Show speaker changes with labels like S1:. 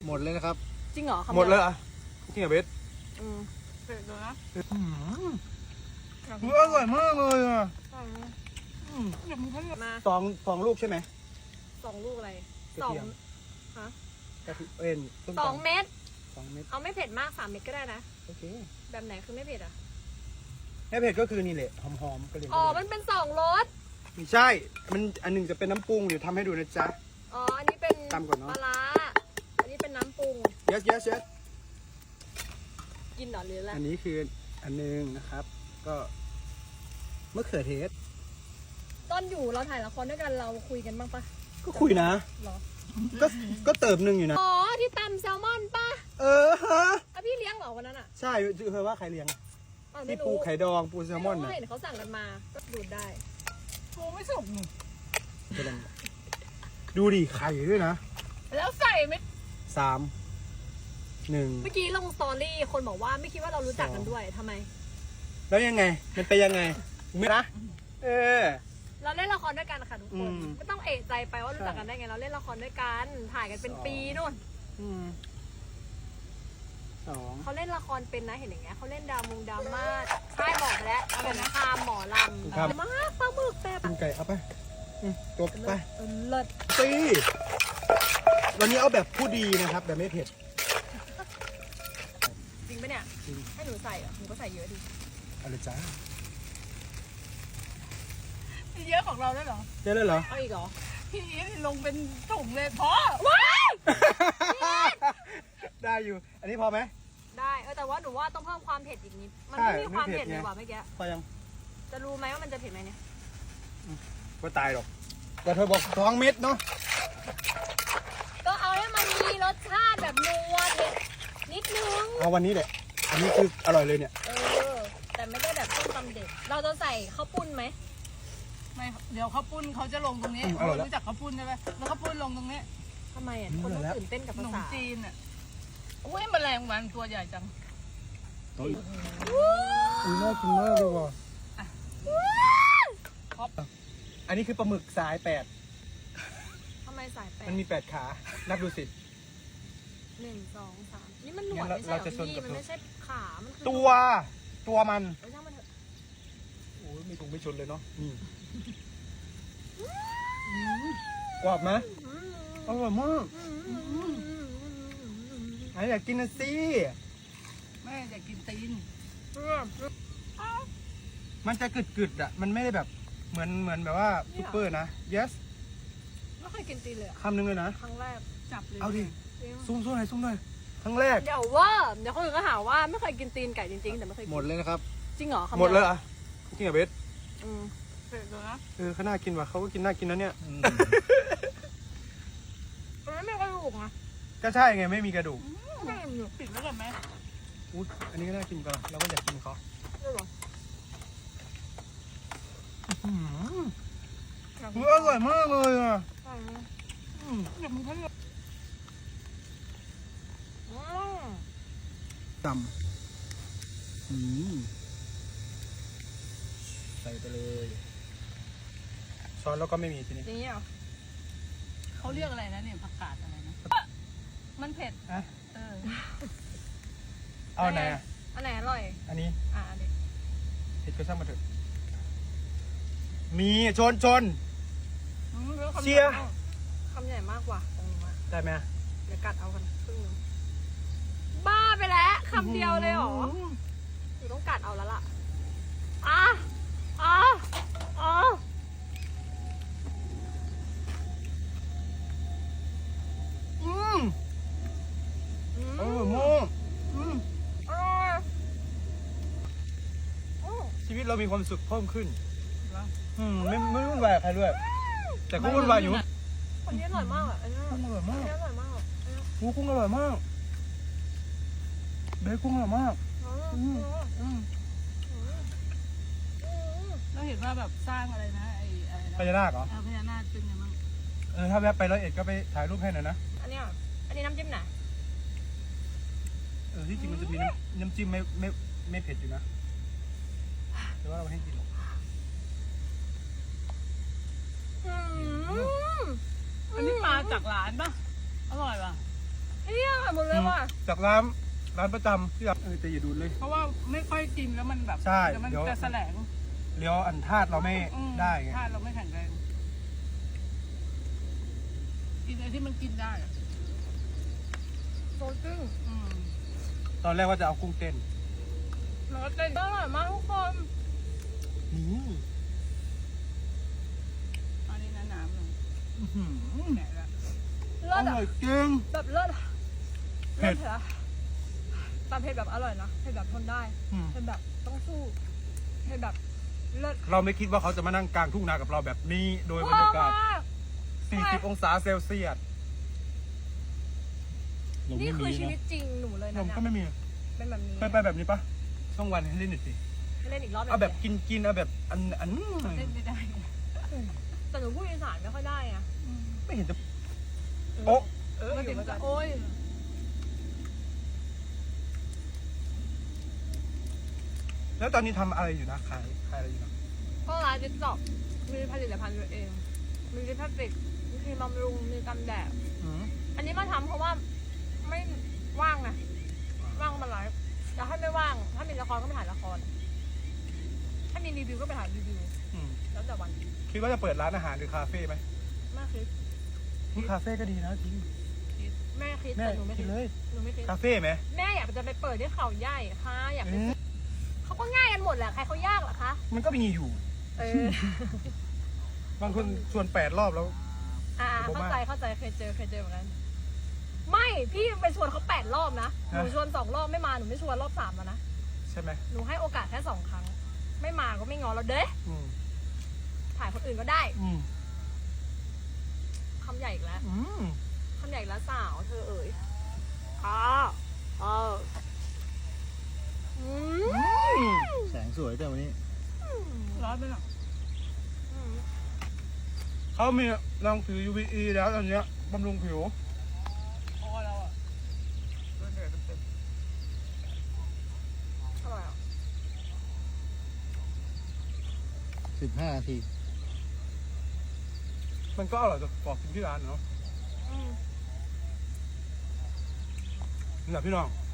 S1: หมดเลยนะครับ
S2: จริงเหรอ
S1: หมดเลยอ่ะจริงเหรอเบส
S2: เผ็ดเลยนะ
S1: อร่อยมากเลยอ่ะ
S2: มา
S1: สองลูกใช่ไหม
S2: 2 ลูกอะไรฮะ
S1: กระเทียม
S2: 2 เม็ด
S1: 2 เม็ด
S2: เอาไม่เผ็ดมาก3 เม็ดก็ได้นะ
S1: โอเค
S2: แบบไหนคือไม่เผ็ดอ่ะ
S1: ไม่เผ็ดก็คือนี่แหละหอมๆก็เลย
S2: มันเป็น2 รส
S1: ไม่ใช่มันอันหนึ่งจะเป็นน้ำปรุงเดี๋ยวทำให้ดูนะจ๊ะ
S2: อันนี้เป็น
S1: ตำก่อนเนาะ
S2: ปลาร้าอันนี้เป็นน้ำปรุง
S1: yes
S2: กินหรอหรืออะไร
S1: อันนี้คืออันนึงนะครับก็มะเขือเทศ
S2: ตอนอยู่เราถ่ายละครด้วยกันเราคุยกันบ้างปะ
S1: ก็คุยนะ
S2: หรอ
S1: ก็เติมหนึ่งอยู่นะ
S2: ที่ตำแซลมอนปะ
S1: ฮะ
S2: พี่เลี้ยงเหรอวันนั้นอ่ะ
S1: ใช่เธอว่าใครเลี้ยงที่ปูไข่ดองปูแซลมอน
S2: น่ะเห็นเขาสั่งกันมาก็ดูดได้
S3: ปูไม่สุกหนู
S1: ดูดิไข่ด้วยนะ
S3: แล้วใส่ไม่
S1: 3 1
S2: เมื่อกี้ลงสตอรี่คนบอกว่าไม่คิดว่าเรารู้จักกันด้วยทำไม
S1: แล้วยังไงมันไปยังไงไม่นะ
S2: เราเล่นละครด้วยกันค่ะทุกคนไม่ต้องเอะใจไปว่ารู้จักกันได้ไงเราเล่นละครด้วยกันถ่ายกันเป็นปีนู่นเขาเล่นละครเป็นนะเห็นอย่างเงี้ยเขาเล่นดราม่าใช่บอกไปแล้วสงครามหมอลำมากปลาหมึกแบบ
S1: กินไก่เอาไปตัวไป
S2: เลิศ
S1: สิวันนี้เอาแบบผู้ดีนะครับแบบไม่เผ็ด
S2: จริงปะเนี่ยให้หนูใส่หนูก็ใส่เยอะดิ
S1: เอาเลยจ้า
S3: เยอะของเราได้เหรอ
S1: เยอะเลยเหรอ
S2: เอาอีกเหรอ
S3: พี่ลงเป็นถุงเลยพอ
S2: ว้าย
S1: ได้อยู่อันนี้พอไหม
S2: ได้แต่ว่าหนูว่าต้องเพิ่มความเผ็ดอีกนิดมันไม่มีความเผ็ดเลยว่ะเมื่อกี้
S1: พอยัง
S2: จะรู้ไหมว่ามันจะเผ็ดไหมเนี่ย
S1: ก็ตายหรอกแต่เธอบอก2 เม็ดเนาะ
S2: ก็เอาให้มันมีรสชาติแบบนัวเผ็ดนิดนึง
S1: เอาวันนี้แหละอันนี้คืออร่อยเลยเนี่ย
S2: แต่ไม่ได้แบบต้มตำเด็ดเราจะใส่ข้าวปุ้นไหม
S3: ไม่เดี๋ยวข้าวปุ้นเขาจะลงตรงนี้รู้จักข้าวปุ้นใช่ไหมแล้วข้าวปุ้นลงตรงนี้
S2: ทำไมคนต้องตื่นเต้นกับภาษา
S3: จีนอุ้ยแมลงวันตัวใหญ่จัง
S1: น่ากินมากเลยว่ะอันนี้คือปลาหมึกสาย8
S2: ทำไมสาย8
S1: มันมี8 ขานับดูสิ
S2: 1 2 3นี่มันหนวดไม่ใช่พี่มันไม่ใช่ขามันคือ
S1: ตัวมัน
S2: ช่างมันเถอะ
S1: โอ้ยมีถุงไม่ชนเลยเนาะนี่กรอบไหมอร่อยมากไอ้อยากกินนะสิ
S3: แม่อยากกินตีน
S1: มันจะกึดอ่ะมันไม่ได้แบบเหมือนแบบว่าซุปเปอร์นะ yes
S2: ไม่เคยกินตีนเลย
S1: คำหนึ่งเลยนะ
S2: ครั้งแรก
S3: จับเลย
S1: เอาดิซุ่มหน่อยครั้งแรก
S2: เดี๋ยวคนอื่นก็หาว่าไม่เคยกินตีนไก่จริงๆแต่ไม่เคย
S1: หมดเลยนะครับ
S2: จริงเหรอ
S1: หมดเลยอ่ะจริงเหรอเบส
S3: เผ็ดเลยนะ
S1: เขาน่ากินว่ะเขาก็กินน่ากินนะเนี่ย
S2: มันไม่มีกระดูกนะ
S1: ก็ใช่ไงไม่มีกระดูก
S3: ปิดแล้วกันไหม
S1: อุ๊ยอันนี้ก็น่ากินก่อนเราก็อยากกินเขาอร่อยมากเลยอ่ะ
S3: เดี๋ยวมึงเขา
S1: ตำใส่ไปเลยช้อนแล้วก็ไม่มีทีนี้
S2: นี่เหรอ
S3: เขาเรียกอะไรนะเนี่ยผักกาดอะไรนะมันเผ็ด
S1: เอาไหน
S2: อันไหนอร่อย
S1: อันนี้
S2: อันนี้
S1: เผ็ดก็ช่างมาเถอะมีชนเชียร์
S2: คำใหญ่มากกว่าตรงนี้มา
S1: ได้ไหม
S2: เดี๋ยวกัดเอากันครึ่งนึงบ้าไปแล้วคำเดียวเลยหรออยู่ต้องกัดเอาแล้วล่ะ
S1: ชีวิตเรามีความสุขเพิ่มขึ้นไม่วุ่นวายใครด้วยแต่ก็วุ่นวายอยู่
S2: คนนี้อร่อยมากอันนี้อร่อยมาก
S1: กุ้งอร่อยมากเบคกุ้งอร่อยมาก
S3: เราเห็นว่าแบบสร้างอะไรนะ
S1: พญานาคเหรอ
S3: พญานาคเป็นยังไงบ้าง
S1: ถ้าแวะไป101ก็ไปถ่ายรูปให้หน่อยนะ
S2: อันนี้น้ำจิ้มไหน
S1: ที่จริงมันจะมีน้ำจิ้มไม่เผ็ดอยู่นะแต่ว่าเราให้กิน
S3: อันนี้มาจากร้านป่ะอร่อยป่ะ
S2: เฮียหมดเลยว่ะ
S1: จากร้านประจำที่แบบแต่อย่าดูดเลย
S3: เพราะว่าไม่ค่อยกินแล้วมันแบบ
S1: ใช่
S3: เดี๋ยวมัน
S1: เดี๋ยว
S3: จะแสลง
S1: เลี้ยวอันธาตุเราไม่ได้ไง
S3: ถ้าเราไม่แข็งแรงกินอะไรที่มันกินได้อะ
S2: โซจึ้ง
S1: ตอนแรกว่าจะเอากุ้งเต้น
S3: แล้วก็เต้น
S2: อร่อยมากทุกคน
S1: นี่
S3: อันนี้น้ำๆหน่อย
S1: อื้อหือ
S3: แหนละ
S2: เลิ
S1: อ
S2: ศอ่ะ
S1: ร่อยจริง
S2: แบบเลิศอะ
S1: เผ็
S2: เลิ
S1: ด
S2: ศเหรอตามเผ็ดแบบอร่อยนะเผ็ดแบบทนได้
S1: อืม
S2: เผ็ดแบบต้องสู้เผ็ดแบบเลิศ
S1: เราไม่คิดว่าเขาจะมานั่งกลางทุ่งนากับเราแบบนี้ โดยบรรยากาศ 40 องศาเซลเซียสลม
S2: นี่
S1: ไม่
S2: คือ
S1: มี
S2: ชีวิ
S1: นะ
S2: ตจริงหนูเลย
S1: ล
S2: นะ
S1: ม
S2: เนี่ย
S1: ก็ไม่มี
S2: เป็นแบบนี้
S1: เคยไปแบบนี้ปะต้องวันให้เล่นหน่อยสิ
S2: ให้เล่นอีกรอบหนึ่ง
S1: เอาแบบกินเอาแบบอัน
S3: เต้นไม่ได้
S2: แต่หนูพูดอีสานไม่ค่อยได้อะ
S1: ไม่เห็นจะโอ๊ะ
S3: มาถึงก็โอ้ย
S1: แล้วตอนนี้ทำอะไรอยู่นะขายอะไรอยู่นะ
S2: เพราะร้านจิ๊กจอกมีผลิตภัณฑ์ตัวเอง มีลิปสติกมีครีมบำรุงมีกันแดด
S1: อืม
S2: อันนี้มาทำเพราะว่าไม่ว่างไงว่างก็มาไลฟ์แต่ถ้าไม่ว่าง ถ้ามีละครก็ไปถ่ายละคร ถ้ามีรีวิวก็ไปถ่ายรีวิว
S1: อืม
S2: แล้วแต่วัน
S1: คิดว่าจะเปิดร้านอาหารหรือคาเฟ่ไหม
S2: แม่คิด
S1: คาเฟ่ก็ดีนะจริง
S2: แม่คิด
S1: แม่
S2: แต่หนูไม่
S1: คิ
S2: คิ
S1: ด
S2: ด
S1: เลย
S2: หนูไม่คิด
S1: คาเฟ่ไหม
S2: แม่อยากจะไปเปิดที่เขาใหญ่ค่ะอยากไป
S1: เอ๊ะ
S2: เขาก็ง่ายกันหมดแหละใครเขายากเหรอคะ
S1: มันก็มีอยู่
S2: เออบ
S1: างคนชวน8 รอบแล้ว ผม
S2: เข้า
S1: ว่า
S2: ใจเคยเจอเหมือนกันไม่พี่ไปชวนเขา8 รอบนะหนูชวน2 รอบไม่มาหนูไม่ชวนรอบ3แล้วนะ
S1: ใช่ไหม
S2: หนูให้โอกาสแค่2 ครั้ง ไม่มาก็ไม่งอเราเด้
S1: อืม
S2: ถ่ายคนอื่นก็ได้
S1: อืม
S2: คำใหญ่อีกแล้ว
S1: อืม
S2: คำใหญ่อีกแล้วสาวเธอเอ๋ยค่ะอืม
S1: แสงสวยแต่วันนี้
S3: ร้อนไปหรอ
S1: เขามีรองผิว UVE แล้วตอนเนี้ยบำรุงผิว
S3: พอเราอ่ะเดินเดินเต็ม
S2: อร่อยอ่ะ
S4: 15 นาที
S1: มันก็อร่อยกว่ากินที่ร้านเนาะ
S2: อืม
S1: นี่แหละพี่น้อง